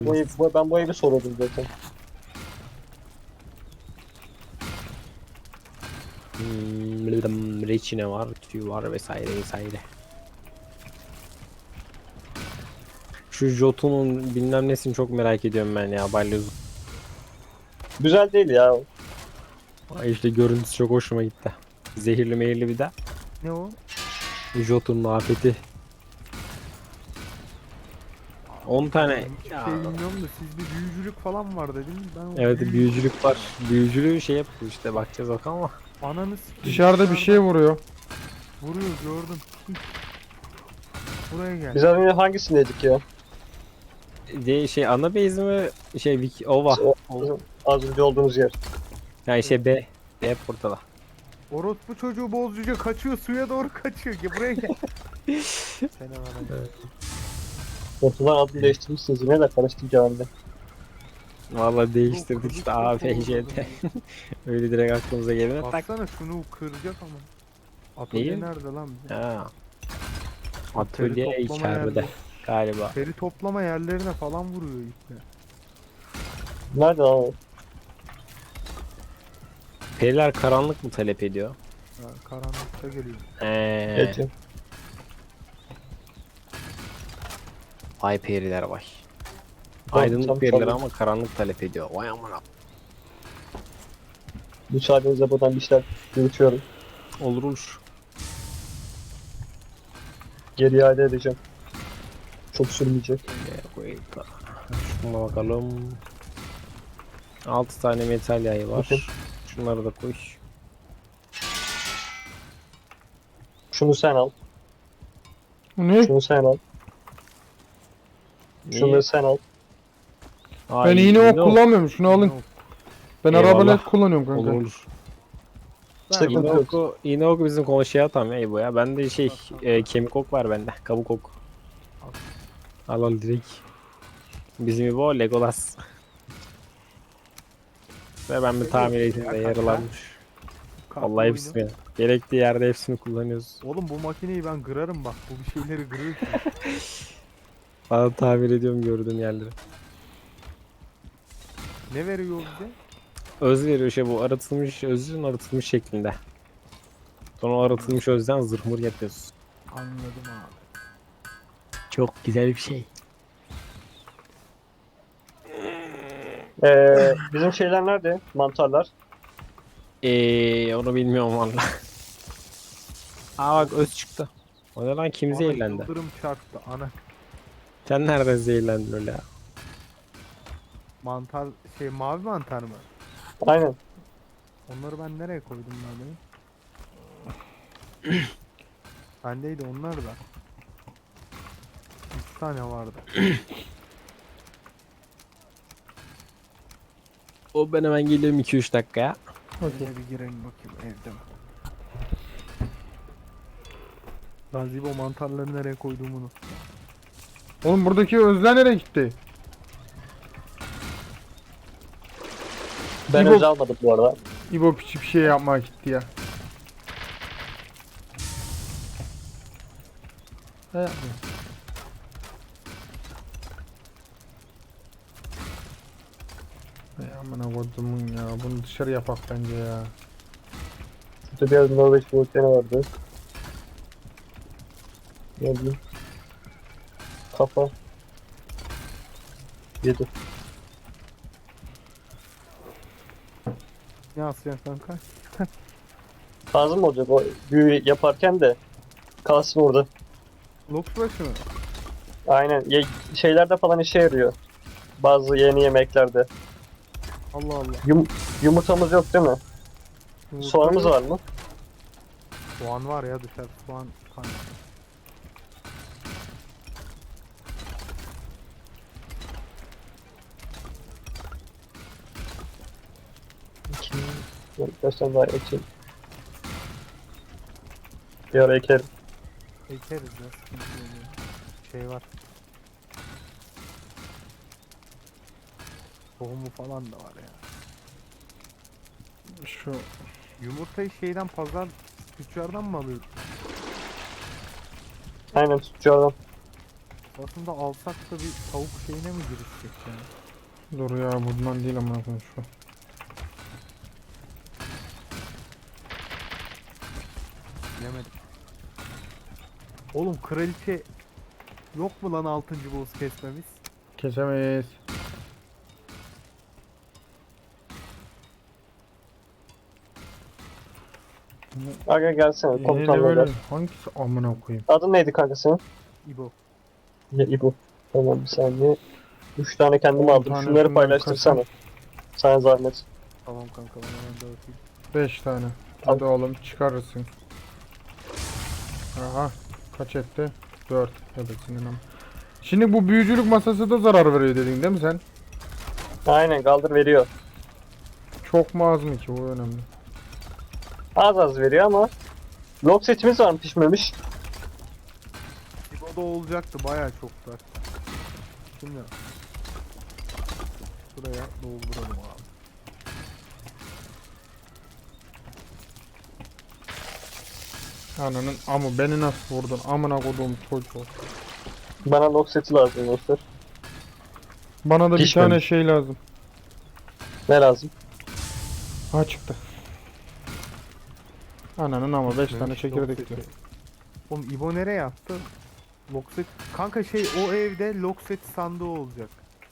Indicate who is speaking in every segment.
Speaker 1: Ben bu evi soruyordum zaten.
Speaker 2: Reçine var, tüy var vesaire vesaire. Şu Jotun'un bilmem nesini çok merak ediyorum ben ya, balyoz.
Speaker 1: Güzel değil ya.
Speaker 2: Ay işte görüntüsü çok hoşuma gitti. Zehirli meyirli bir de.
Speaker 3: Ne o?
Speaker 2: Jotun'un afeti. 10 tane.
Speaker 3: Hiçbir
Speaker 2: Ya,
Speaker 3: şey bilmiyorum da sizde büyücülük falan var dediniz. Ben o
Speaker 2: evet büyücülük var. Büyücülüğü şey yapıyor işte, bakacağız bakalım ama.
Speaker 3: Ananı sikeyim.
Speaker 4: Dışarıda bir şey vuruyor.
Speaker 3: Vuruyor gördüm. Buraya gel.
Speaker 1: Biz az önce hangisindeydik ya?
Speaker 2: Şey ana base mi? Şey Ova.
Speaker 1: Bizim az önce olduğumuz yer.
Speaker 2: Yani şey B. B portala.
Speaker 3: Orospu çocuğu bozcuca kaçıyor, suya doğru kaçıyor. Gel buraya gel. Sen bana.
Speaker 1: Ortadan adını değiştirmişsiniz. Yine de karıştıracağım ben.
Speaker 2: Vallahi değiştirdik
Speaker 3: Kılıç
Speaker 2: işte
Speaker 3: çok
Speaker 2: A, B,
Speaker 3: oldu
Speaker 2: J,
Speaker 3: bu.
Speaker 2: D. Öyle direkt aklımıza gelene tak.
Speaker 3: Baksana şunu kıracak ama. Atölye
Speaker 2: Neyi?
Speaker 3: nerede lan bizim?
Speaker 2: Ha.
Speaker 3: Teri
Speaker 2: Atölye
Speaker 3: toplama
Speaker 2: içeride
Speaker 3: yerleri.
Speaker 2: galiba.
Speaker 3: Teri toplama yerlerine falan vuruyor iple.
Speaker 1: Nerede lan o?
Speaker 2: Periler karanlık mı talep ediyor?
Speaker 3: Ha, karanlıkta geliyor.
Speaker 1: Geçin.
Speaker 2: Ay periler vay.
Speaker 1: Tamam,
Speaker 2: Aydınlık
Speaker 1: tamam,
Speaker 2: periler
Speaker 1: tamam.
Speaker 2: ama karanlık talep ediyor. Vay amına.
Speaker 1: Müsaadenizle buradan bir şeyler yürütüyorum.
Speaker 2: Olur olur.
Speaker 1: Geri iade edeceğim. Çok sürmeyecek.
Speaker 2: Şuna bakalım. 6 tane metal yayı var.
Speaker 1: Bakın.
Speaker 2: Şunları da koy.
Speaker 1: Şunu sen al.
Speaker 4: Bu ne?
Speaker 1: Şunu sen al.
Speaker 2: Niye?
Speaker 1: Şunu sen al.
Speaker 4: Ben iğne ok kullanmıyorum. Şunu alın.
Speaker 3: Yok.
Speaker 4: Ben
Speaker 2: Eyvallah.
Speaker 4: arabalet kullanıyorum kanka.
Speaker 2: Olur olur.
Speaker 1: Sıkıntı
Speaker 2: İğne
Speaker 1: yok.
Speaker 2: oku, iğne oku bizim konuşuya tam ya bu ya. Bende şey kemik ok var bende. Kabuk ok. Al al direkt. Bizim İbo Legolas. Ve ben bir tamir eğitimde yaralanmış.
Speaker 3: Kalk
Speaker 2: Vallahi
Speaker 3: oyunu.
Speaker 2: hepsini. Gerektiği yerde hepsini kullanıyoruz.
Speaker 3: Oğlum bu makineyi ben kırarım bak. Bu bir şeyleri kırıyor ki.
Speaker 2: Bana tamir ediyorum gördüğüm yerleri.
Speaker 3: Ne veriyor bize?
Speaker 2: Öz veriyor şey bu aratılmış özün aratılmış şeklinde. Sonra o aratılmış özden zırhmur yapıyoruz.
Speaker 3: Anladım abi.
Speaker 2: Çok güzel bir şey.
Speaker 1: Bizim şeyler nerede? Mantarlar.
Speaker 2: Onu bilmiyorum valla. Aa bak öz çıktı. O ne lan kim
Speaker 3: Bana
Speaker 2: zehirlendi?
Speaker 3: yıldırım çarptı ana.
Speaker 2: Sen nereden zehirlendin öyle ya?
Speaker 3: Mantar şey mavi mantar mı?
Speaker 1: Aynen.
Speaker 3: Onları ben nereye koydum lan benim? Bendeydi onlar da. 3 tane vardı.
Speaker 2: O ben hemen geliyorum 2-3 dakikaya.
Speaker 3: Şöyle bir girelim bakayım evde mi? Gazi bu mantarları nereye koyduğumu unuttum.
Speaker 4: Oğlum buradaki özler nereye gitti?
Speaker 1: Ben
Speaker 4: İbo-
Speaker 1: öz almadım bu arada.
Speaker 4: İbo piçi bir şey yapmaya gitti ya. Ne yapmıyor? Ey amına kodumun ya. Bunu dışarı yapak bence ya.
Speaker 1: Şurada biraz Norveç volkeni vardı. Ne bileyim. Kafa. 7.
Speaker 3: Ne yapacaksın kanka?
Speaker 1: Lazım olacak o büyü yaparken de kalsın orada.
Speaker 3: Lokbaşı mı?
Speaker 1: Aynen. Şeylerde falan işe yarıyor. Bazı yeni yemeklerde.
Speaker 3: Allah Allah.
Speaker 1: Yumurtamız yok değil mi? Soğanımız var mı?
Speaker 3: Soğan var ya dışarı soğan kaynağı.
Speaker 1: Birkaç tane daha ekeyim. Bir ara ekerim.
Speaker 3: Ekeriz ya sıkıntı yok. Şey var. Tohumu falan da var ya.
Speaker 4: Şu
Speaker 3: Yumurtayı şeyden pazar tüccardan mı alıyorsun?
Speaker 1: Aynen tutucu adam.
Speaker 3: Aslında alsak da bir tavuk şeyine mi girişecek yani?
Speaker 4: Dur ya bundan değil amına koyayım şu.
Speaker 3: Yemedim. Oğlum kraliçe yok mu lan 6. boss kesmemiz?
Speaker 4: Kesemeyiz.
Speaker 1: Aga gelsene
Speaker 4: Yine de
Speaker 1: komutanla
Speaker 4: böyle
Speaker 1: gel.
Speaker 4: hangisi amına koyayım?
Speaker 1: Adın neydi kanka senin?
Speaker 3: İbo.
Speaker 1: Ya İbo. Tamam bir saniye. 3 tane kendim
Speaker 4: 10
Speaker 1: aldım.
Speaker 4: tane
Speaker 1: Şunları
Speaker 4: şundan
Speaker 1: paylaştırsana.
Speaker 4: kasam.
Speaker 1: Sana zahmet.
Speaker 3: Tamam kanka ben hemen dağıtayım.
Speaker 4: 5 tane. Hadi oğlum çıkarırsın. Aha. Kaç etti? 4. Evet senin ama. Şimdi bu büyücülük masası da zarar veriyor dedin değil mi sen?
Speaker 1: Aynen kaldır veriyor.
Speaker 4: Çok mu az mı ki bu önemli.
Speaker 1: Az az veriyor ama. Log setimiz var mı pişmemiş?
Speaker 3: İbo'da olacaktı bayağı çok var. Şimdi buraya dolduralım abi.
Speaker 4: Ananın ama beni nasıl vurdun amına koduğum çocuğu.
Speaker 1: Bana log seti lazım dostlar.
Speaker 4: Bana da bir
Speaker 1: Pişmemiş.
Speaker 4: tane şey lazım.
Speaker 1: Ne lazım?
Speaker 4: Ha çıktı. Ananın ama 5 tane
Speaker 3: Pişmemiş
Speaker 4: çekirdek
Speaker 3: lock
Speaker 4: diyor.
Speaker 3: seti. Oğlum İbo nereye attı? Lokset. Kanka şey o evde lokset sandığı olacak.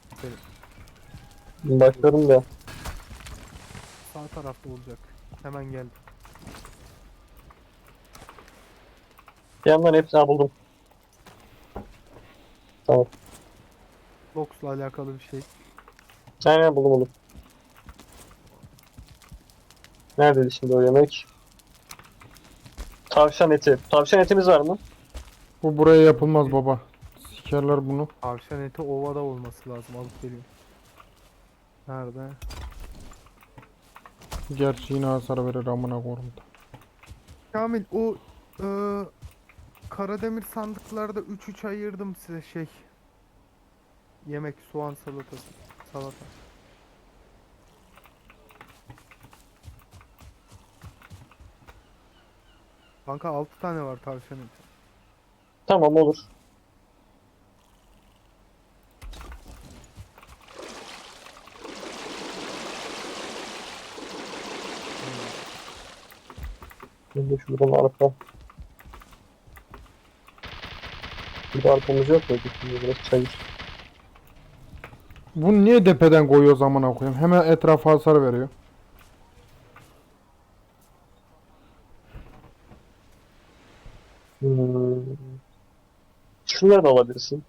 Speaker 1: Bakıyorum da.
Speaker 3: Sağ tarafta olacak. Hemen gel.
Speaker 1: Bir yandan hepsini buldum. Tamam.
Speaker 3: Loks'la alakalı bir şey.
Speaker 1: Aynen buldum. Neredeydi şimdi o yemek? Tavşan eti. Tavşan etimiz var mı?
Speaker 4: Bu buraya yapılmaz baba. Sikerler bunu.
Speaker 3: Tavşan eti ovada olması lazım. Alıp geliyorum. Nerede?
Speaker 4: Gerçi yine hasar verir amına koyayım da.
Speaker 3: Kamil o Karademir sandıklarda 3-3 ayırdım size şey. Yemek, soğan salatası. Salata. Kanka 6 tane var tavşan eti.
Speaker 1: Tamam olur. Şimdi şuradan arpa. Burada arpamız yok muydu? Şimdi biraz çayır.
Speaker 4: Bunu niye depeden koyuyoruz amına koyayım? Hemen etrafa hasar veriyor.
Speaker 1: Hmm. Şunları da alabilirsin.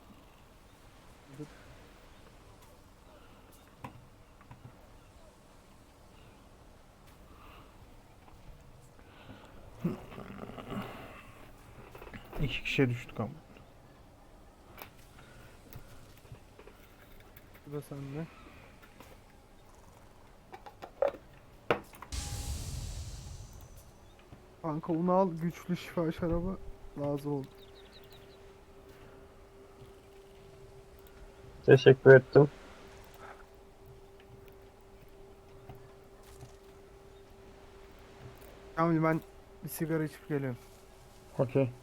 Speaker 4: İki kişiye düştük ama.
Speaker 3: Bu da sende. Kanka onu al, güçlü şifa şarabı lazım oldu.
Speaker 1: Teşekkür ettim.
Speaker 3: Kamil ben bir sigara içip geliyorum.
Speaker 4: Okey.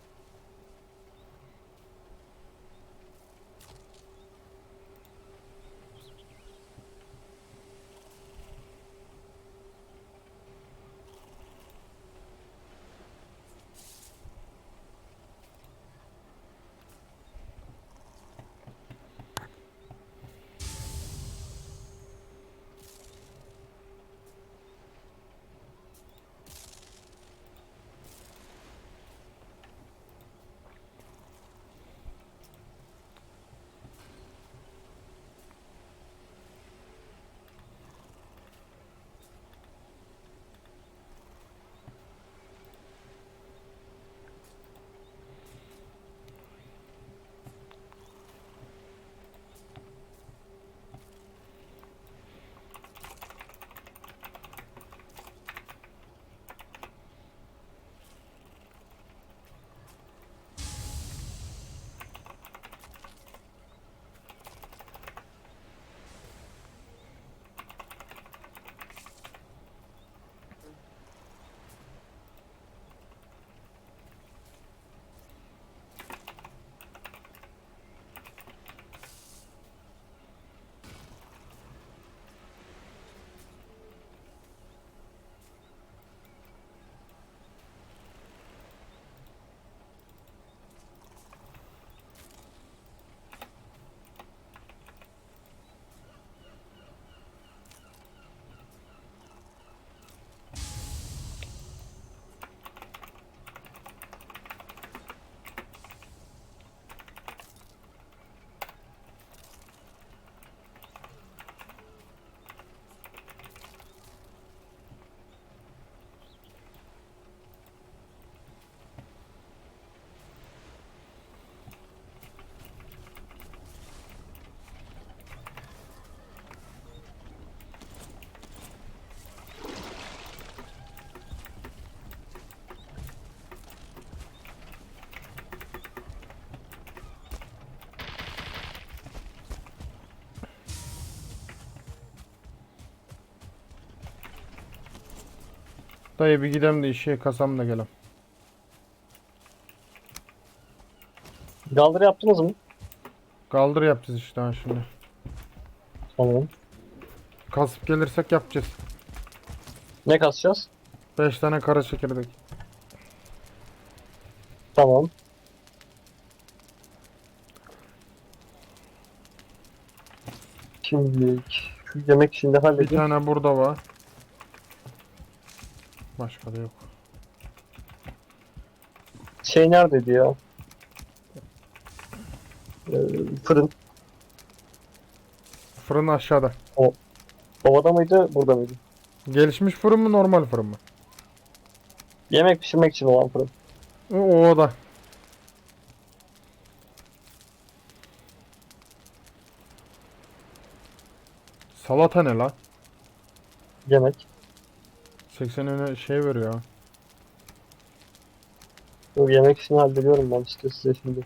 Speaker 4: Dayı bir gidelim de işe kasam da gelem.
Speaker 1: Galdır yaptınız mı?
Speaker 4: Kaldır yapacağız işte ha şimdi.
Speaker 1: Tamam.
Speaker 4: Kasıp gelirsek yapacağız.
Speaker 1: Ne kasacağız?
Speaker 4: 5 tane kara çekirdek.
Speaker 1: Tamam. Şimdi şu yemek şimdi
Speaker 4: Bir
Speaker 1: halledeyim.
Speaker 4: tane burada var. Başka da yok.
Speaker 1: Şey neredeydi ya? Fırın.
Speaker 4: Fırın aşağıda.
Speaker 1: Ovada mıydı? Burada mıydı?
Speaker 4: Gelişmiş fırın mı normal fırın mı?
Speaker 1: Yemek pişirmek için olan fırın.
Speaker 4: O da. Salata ne la?
Speaker 1: Yemek.
Speaker 4: 80 öne şey veriyor ha.
Speaker 1: Dur, yemek işini hallediyorum ben işte size şimdi.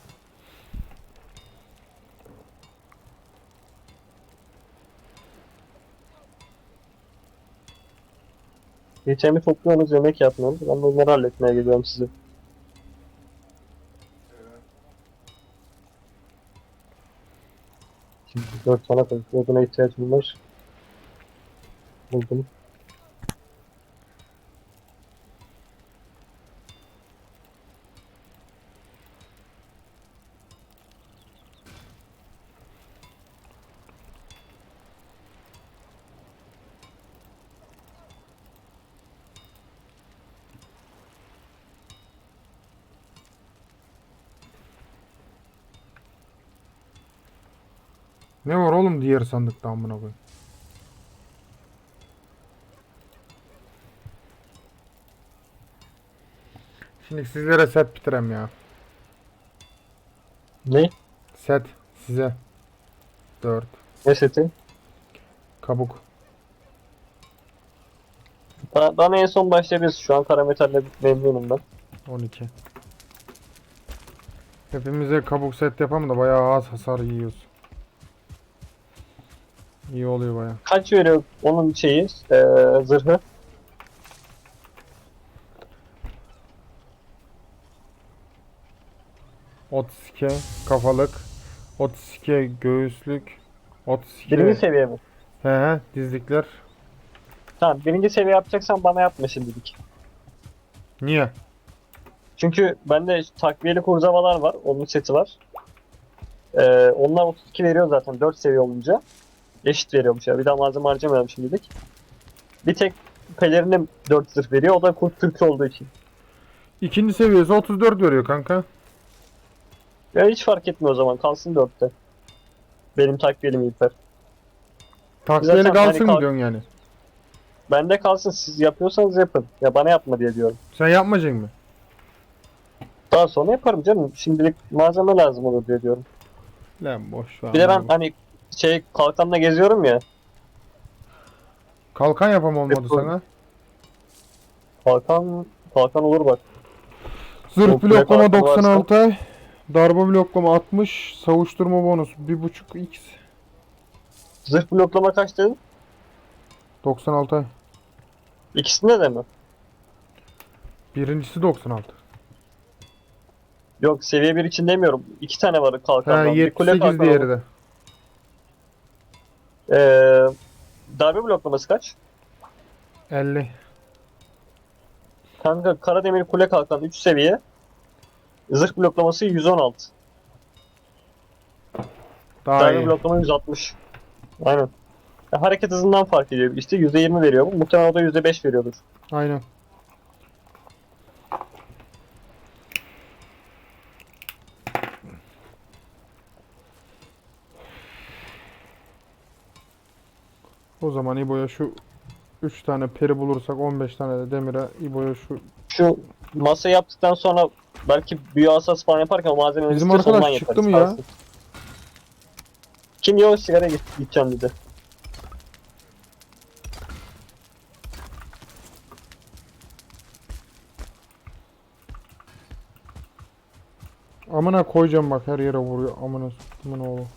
Speaker 1: Geçemi topluyorsunuz, yemek yapmıyorsunuz. Ben de onları halletmeye geliyorum size. Şimdi 4 tane oduna ihtiyacım var. Buldum.
Speaker 4: Ne var oğlum diğer sandıkta amına koyayım. Şimdi sizlere set bitirem ya.
Speaker 1: Ne?
Speaker 4: Set size. 4
Speaker 1: Ne seti?
Speaker 4: kabuk.
Speaker 1: Bana en son başlayabiliriz. Şu an karametalle memnunum ben.
Speaker 4: 12. Hepimize kabuk set yapalım da bayağı az hasar yiyoruz. İyi oluyor bayağı.
Speaker 1: Kaç veriyor onun şeyi, zırhı?
Speaker 4: Otske kafalık. Otske göğüslük. Otske
Speaker 1: Birinci seviye mi?
Speaker 4: he dizlikler.
Speaker 1: Tamam, birinci seviye yapacaksan bana yapma şimdilik.
Speaker 4: Niye?
Speaker 1: Çünkü bende takviyeli kurzavalar var. Onun seti var. Onlar 32 veriyor zaten 4 seviye olunca. Eşit veriyormuş ya. Bir daha malzeme harcamayalım şimdilik. Bir tek pelerinim 4 zırh veriyor. O da kurt türkü olduğu için.
Speaker 4: İkinci seviyesi 34 veriyor kanka.
Speaker 1: Ya hiç fark etmiyor o zaman. Kalsın 4'te. Benim takviyelim İlper.
Speaker 4: Takviyeli
Speaker 1: Zaten
Speaker 4: kalsın
Speaker 1: hani
Speaker 4: mı
Speaker 1: kalk-
Speaker 4: diyorsun yani?
Speaker 1: Bende kalsın. Siz yapıyorsanız yapın. Ya bana yapma diye diyorum.
Speaker 4: Sen yapmayacaksın mı?
Speaker 1: Daha sonra yaparım canım. Şimdilik malzeme lazım olur diye diyorum.
Speaker 4: Lan boş ver.
Speaker 1: Bir de ben
Speaker 4: amına koyayım.
Speaker 1: hani kalkanla geziyorum ya.
Speaker 4: Kalkan yapam olmadı
Speaker 1: Hep
Speaker 4: sana.
Speaker 1: Kalkan olur bak.
Speaker 4: Zırh
Speaker 1: Yok,
Speaker 4: bloklama
Speaker 1: kalkan varsa-
Speaker 4: 96. Darbe bloklama 60. Savuşturma bonus 1.5 x.
Speaker 1: Zırh bloklama kaç dedin?
Speaker 4: 96.
Speaker 1: İkisinde de mi?
Speaker 4: Birincisi 96.
Speaker 1: Yok, seviye 1 için demiyorum. 2 tane var
Speaker 4: Ha
Speaker 1: kalkandan. Bir kule
Speaker 4: 78
Speaker 1: kalkanı
Speaker 4: diğeri
Speaker 1: olur.
Speaker 4: de.
Speaker 1: Darbe bloklaması kaç?
Speaker 4: 50.
Speaker 1: Kanka Karademir kule kalkan 3 seviye. Zırh bloklaması 116.
Speaker 4: Daha
Speaker 1: Darbe
Speaker 4: iyi.
Speaker 1: bloklama 160. Aynen. Ya, hareket hızından fark ediyor. İşte %20 veriyor bu. Muhtemelen o da %5 veriyordur.
Speaker 4: Aynen. O zaman İbo'ya şu 3 tane peri bulursak 15 tane de demire İbo'ya şu
Speaker 1: Şu masa yaptıktan sonra belki büyü asas falan yaparken o malzemeleri
Speaker 4: Bizim
Speaker 1: istiyorsa
Speaker 4: arkadaş
Speaker 1: ondan
Speaker 4: çıktı
Speaker 1: yaparız,
Speaker 4: mı ya?
Speaker 1: kalsın. Kim diyor sigara gideceğim dedi.
Speaker 4: amına koyacağım bak her yere vuruyor amına s**timin oğlu.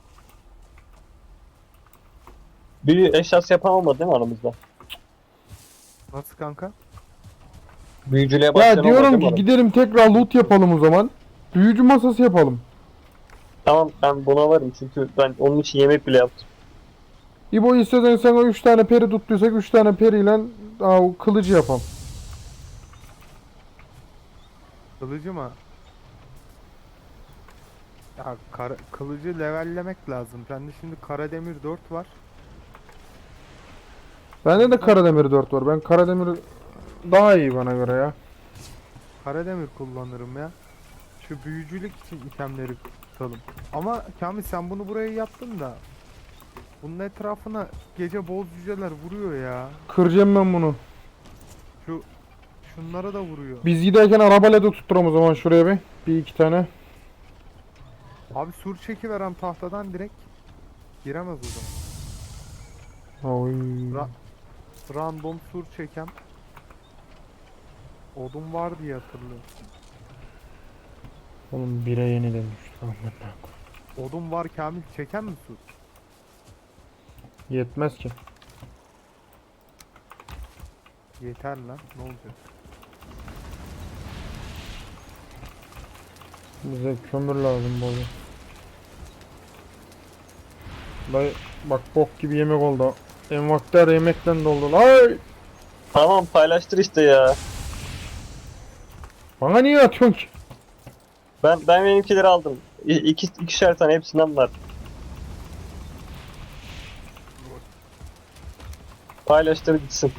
Speaker 1: Büyü eşyası yapan olmadı değil mi aramızda?
Speaker 3: Nasıl kanka?
Speaker 1: Büyücülüğe başlayan
Speaker 4: Ya
Speaker 1: olmadı
Speaker 4: diyorum
Speaker 1: değil mi
Speaker 4: ki
Speaker 1: adam?
Speaker 4: gidelim tekrar loot yapalım o zaman. Büyücü masası yapalım.
Speaker 1: Tamam ben buna varım çünkü ben onun için yemek bile yaptım.
Speaker 4: İbo istesen sana 3 tane peri tuttuysak 3 tane periyle o kılıcı yapalım.
Speaker 3: Kılıcı mı? Ya kılıcı levellemek lazım. Bende şimdi Karademir 4 var.
Speaker 4: Bende de Karademir 4 var. Ben Karademir daha iyi bana göre ya.
Speaker 3: Karademir kullanırım ya. Şu büyücülük için itemleri tutalım. Ama Kamil sen bunu buraya yaptın da bunun etrafına gece boz cüceler vuruyor ya.
Speaker 4: Kıracağım ben bunu.
Speaker 3: Şunlara da vuruyor.
Speaker 4: Biz giderken arabayla da tutturam o zaman şuraya bir. Bir iki tane.
Speaker 3: Abi sur çekiverem tahtadan direkt. Giremez o zaman.
Speaker 4: Oy.
Speaker 3: Random sur çekem. Odun var diye hatırlıyorum.
Speaker 4: Oğlum bire yeniden düştü. Aman ha.
Speaker 3: Odun var Kamil çeken mi sur?
Speaker 4: Yetmez ki.
Speaker 3: Yeter lan ne olacak?
Speaker 4: Bize kömür lazım bu arada. Dayı bak bok gibi yemek oldu. Envakter yemekten doldu. Ay!
Speaker 1: Tamam paylaştır işte ya.
Speaker 4: Bana niye atıyorsun ki?
Speaker 1: Ben benimkileri aldım. İkişer tane hepsinden var. Paylaştır gitsin.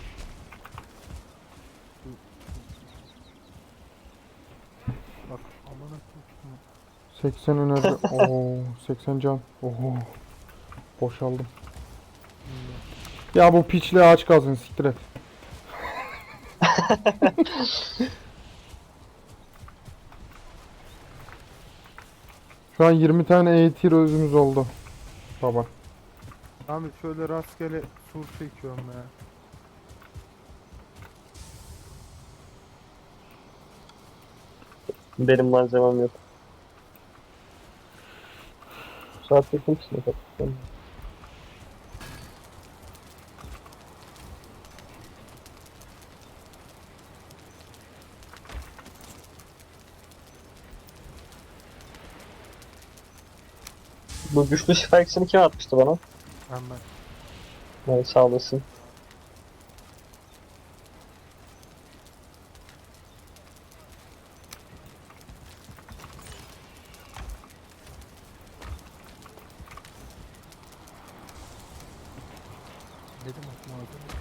Speaker 3: Bak aman akıllı.
Speaker 4: 80 önerdi. Oo, 80 can. Oho. Boşaldım. Ya bu piçli ağaç kalsın siktir et. Şu an 20 tane eğitir özümüz oldu. Baba.
Speaker 3: Kamil şöyle rastgele sur çekiyorum ya.
Speaker 1: Benim malzemem yok. Saat yakın mısın? Bu güçlü şifa iksirini kim atmıştı bana?
Speaker 3: Hemen.
Speaker 1: Yani sağ olasın.
Speaker 3: Dedim aklıma hazır.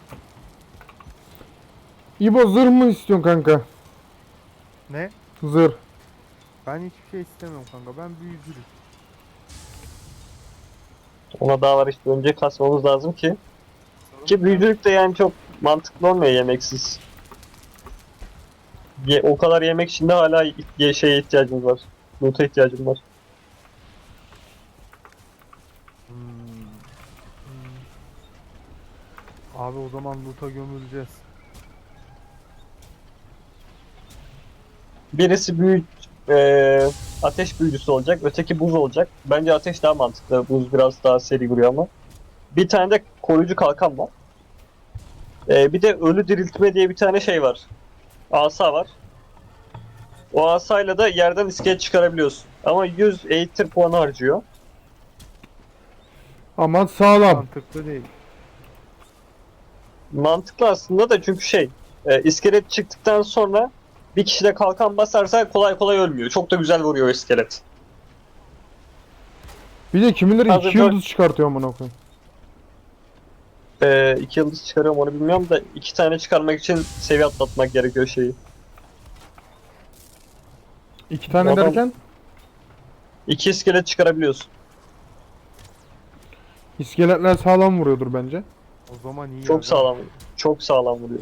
Speaker 4: İbo zırh mı istiyorsun kanka?
Speaker 3: Ne?
Speaker 4: Zırh.
Speaker 3: Ben hiçbir şey istemiyorum kanka. Ben büyücülük.
Speaker 1: Ona daha var işte önce kasmamız lazım ki. Ki büyücülük de yani çok mantıklı olmuyor yemeksiz. O kadar yemek içinde hala şeye ihtiyacımız var. Loot'a ihtiyacım var.
Speaker 3: Abi o zaman loot'a gömüleceğiz.
Speaker 1: Birisi ateş büyücüsü olacak, öteki buz olacak. Bence ateş daha mantıklı. Buz biraz daha seri vuruyor ama. Bir tane de koruyucu kalkan var. Bir de ölü diriltme diye bir tane şey var. Asa var. O asayla da yerden iskelet çıkarabiliyorsun. Ama 100 eğitim puanı harcıyor.
Speaker 4: Ama sağlam.
Speaker 3: Mantıklı değil.
Speaker 1: Mantıklı aslında da çünkü iskelet çıktıktan sonra bir kişi de kalkan basarsa kolay kolay ölmüyor. Çok da güzel vuruyor iskelet.
Speaker 4: Bir de kimileri
Speaker 1: Hazır
Speaker 4: 2
Speaker 1: dört-
Speaker 4: yıldız çıkartıyor amına koyayım.
Speaker 1: 2 yıldız çıkarıyorum onu bilmiyorum da 2 tane çıkarmak için seviye atlatmak gerekiyor şeyi.
Speaker 4: 2 tane
Speaker 1: Adam-
Speaker 4: derken
Speaker 1: 2 iskelet çıkarabiliyorsun.
Speaker 4: iskeletler sağlam vuruyordur bence.
Speaker 3: O zaman iyi.
Speaker 1: Çok
Speaker 3: aga.
Speaker 1: sağlam. Çok sağlam vuruyor.